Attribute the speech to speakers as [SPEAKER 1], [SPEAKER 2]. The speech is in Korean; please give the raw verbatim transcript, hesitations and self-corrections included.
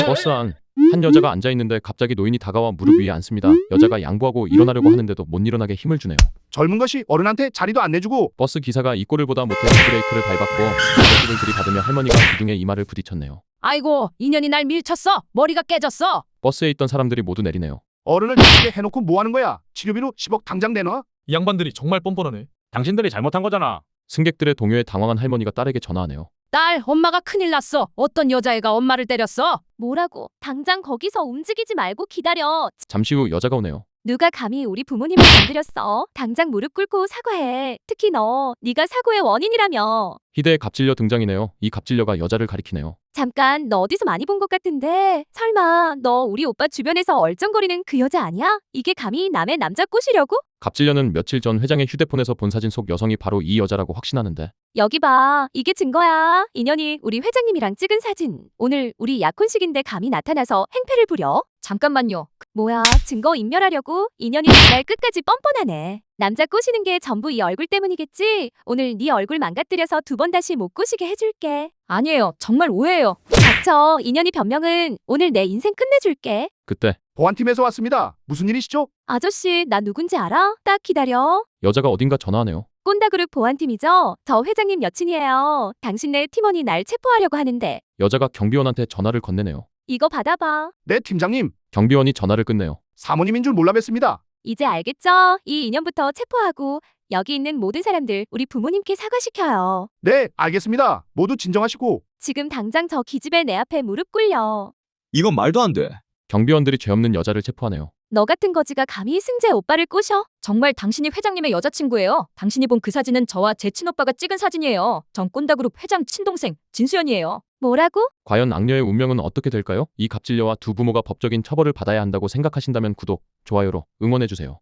[SPEAKER 1] 버스 안. 한 여자가 앉아있는데 갑자기 노인이 다가와 무릎 위에 앉습니다. 여자가 양보하고 일어나려고 하는데도 못 일어나게 힘을 주네요.
[SPEAKER 2] 젊은 것이 어른한테 자리도 안 내주고.
[SPEAKER 1] 버스 기사가 이 꼴을 보다 못해 브레이크를 밟았고 아저씨를 들이받으며 할머니가 기둥에 이마를 부딪혔네요.
[SPEAKER 3] 아이고, 인연이 날 밀쳤어. 머리가 깨졌어.
[SPEAKER 1] 버스에 있던 사람들이 모두 내리네요.
[SPEAKER 2] 어른을 이렇게 해놓고 뭐하는 거야? 치료비로 십억 당장 내놔.
[SPEAKER 4] 이 양반들이 정말 뻔뻔하네.
[SPEAKER 5] 당신들이 잘못한 거잖아.
[SPEAKER 1] 승객들의 동요에 당황한 할머니가 딸에게 전화하네요.
[SPEAKER 3] 딸, 엄마가 큰일 났어. 어떤 여자애가 엄마를 때렸어.
[SPEAKER 6] 뭐라고? 당장 거기서 움직이지 말고 기다려.
[SPEAKER 1] 잠시 후 여자가 오네요.
[SPEAKER 6] 누가 감히 우리 부모님을 건드렸어? 당장 무릎 꿇고 사과해. 특히 너, 네가 사고의 원인이라며.
[SPEAKER 1] 희대의 갑질녀 등장이네요. 이 갑질녀가 여자를 가리키네요.
[SPEAKER 6] 잠깐, 너 어디서 많이 본 것 같은데. 설마 너 우리 오빠 주변에서 얼쩡거리는 그 여자 아니야? 이게 감히 남의 남자 꼬시려고?
[SPEAKER 1] 갑질녀는 며칠 전 회장의 휴대폰에서 본 사진 속 여성이 바로 이 여자라고 확신하는데
[SPEAKER 6] 여기 봐. 이게 증거야. 인연이 우리 회장님이랑 찍은 사진. 오늘 우리 약혼식인데 감히 나타나서 행패를 부려?
[SPEAKER 3] 잠깐만요.
[SPEAKER 6] 뭐야, 증거 인멸하려고? 인연이 정말 끝까지 뻔뻔하네. 남자 꼬시는 게 전부 이 얼굴 때문이겠지? 오늘 네 얼굴 망가뜨려서 두 번 다시 못 꼬시게 해줄게.
[SPEAKER 3] 아니에요. 정말 오해예요.
[SPEAKER 6] 닥쳐. 인연이 변명은 오늘 내 인생 끝내줄게.
[SPEAKER 1] 그때
[SPEAKER 2] 보안팀에서 왔습니다. 무슨 일이시죠?
[SPEAKER 6] 아저씨, 나 누군지 알아? 딱 기다려.
[SPEAKER 1] 여자가 어딘가 전화하네요.
[SPEAKER 6] 꼰다그룹 보안팀이죠? 저 회장님 여친이에요. 당신네 팀원이 날 체포하려고 하는데.
[SPEAKER 1] 여자가 경비원한테 전화를 건네네요.
[SPEAKER 6] 이거 받아봐.
[SPEAKER 2] 네, 팀장님.
[SPEAKER 1] 경비원이 전화를 끊네요.
[SPEAKER 2] 사모님인 줄 몰라 뵀습니다.
[SPEAKER 6] 이제 알겠죠? 이 인연부터 체포하고 여기 있는 모든 사람들 우리 부모님께 사과시켜요.
[SPEAKER 2] 네, 알겠습니다. 모두 진정하시고.
[SPEAKER 6] 지금 당장 저 기집애 내 앞에 무릎 꿇려.
[SPEAKER 7] 이건 말도 안 돼.
[SPEAKER 1] 경비원들이 죄 없는 여자를 체포하네요.
[SPEAKER 6] 너 같은 거지가 감히 승재 오빠를 꼬셔?
[SPEAKER 3] 정말 당신이 회장님의 여자친구예요. 당신이 본 그 사진은 저와 제 친오빠가 찍은 사진이에요. 전 꼰다그룹 회장 친동생 진수연이에요.
[SPEAKER 6] 뭐라고?
[SPEAKER 1] 과연 악녀의 운명은 어떻게 될까요? 이 갑질녀와 두 부모가 법적인 처벌을 받아야 한다고 생각하신다면 구독, 좋아요로 응원해주세요.